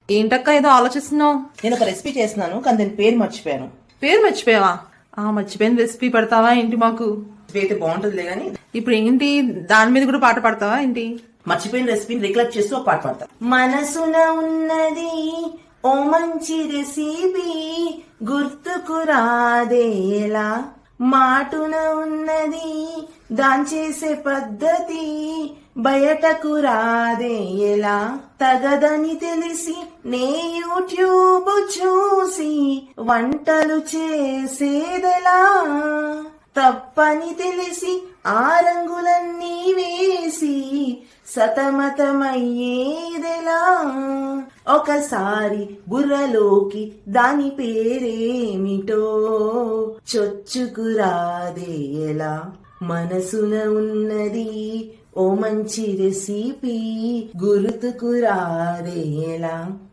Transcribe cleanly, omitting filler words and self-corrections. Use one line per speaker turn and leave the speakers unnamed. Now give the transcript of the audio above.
ఏంటక్క ఏదో ఆలోచిస్తున్నావు?
నేను ఒక రెసిపీ చేస్తున్నాను కానీ దాని పేరు మర్చిపోయాను.
పేరు మర్చిపోయావా? మర్చిపోయిన రెసిపీ పెడతావా ఏంటి మాకు?
అయితే బాగుంటుందిలే గానీ
ఇప్పుడు ఏంటి, దాని మీద కూడా పాట పాడతావా ఏంటి?
మర్చిపోయిన రెసిపీని రికలెక్ట్ చేస్తూ ఒక పాట పాడతా. మనసున ఉన్నది ఓ మంచి రెసిపీ గుర్తుకు రాదేలా, మాటున ఉన్నది దాంచేసే పద్ధతి బయటకు రాదేలా, తగదని తెలిసి నే యూట్యూబ్ చూసి వంటలు చేసేదెలా, తప్పని తెలిసి ఆ రంగులన్నీ వేసి సతమతమయ్యేదెలా, ఒకసారి బుర్రలోకి దాని పేరేమిటో చొచ్చుకురాదేలా, మనసున ఉన్నది ఓ మంచి రెసిపీ గుర్తుకు రాదేలా.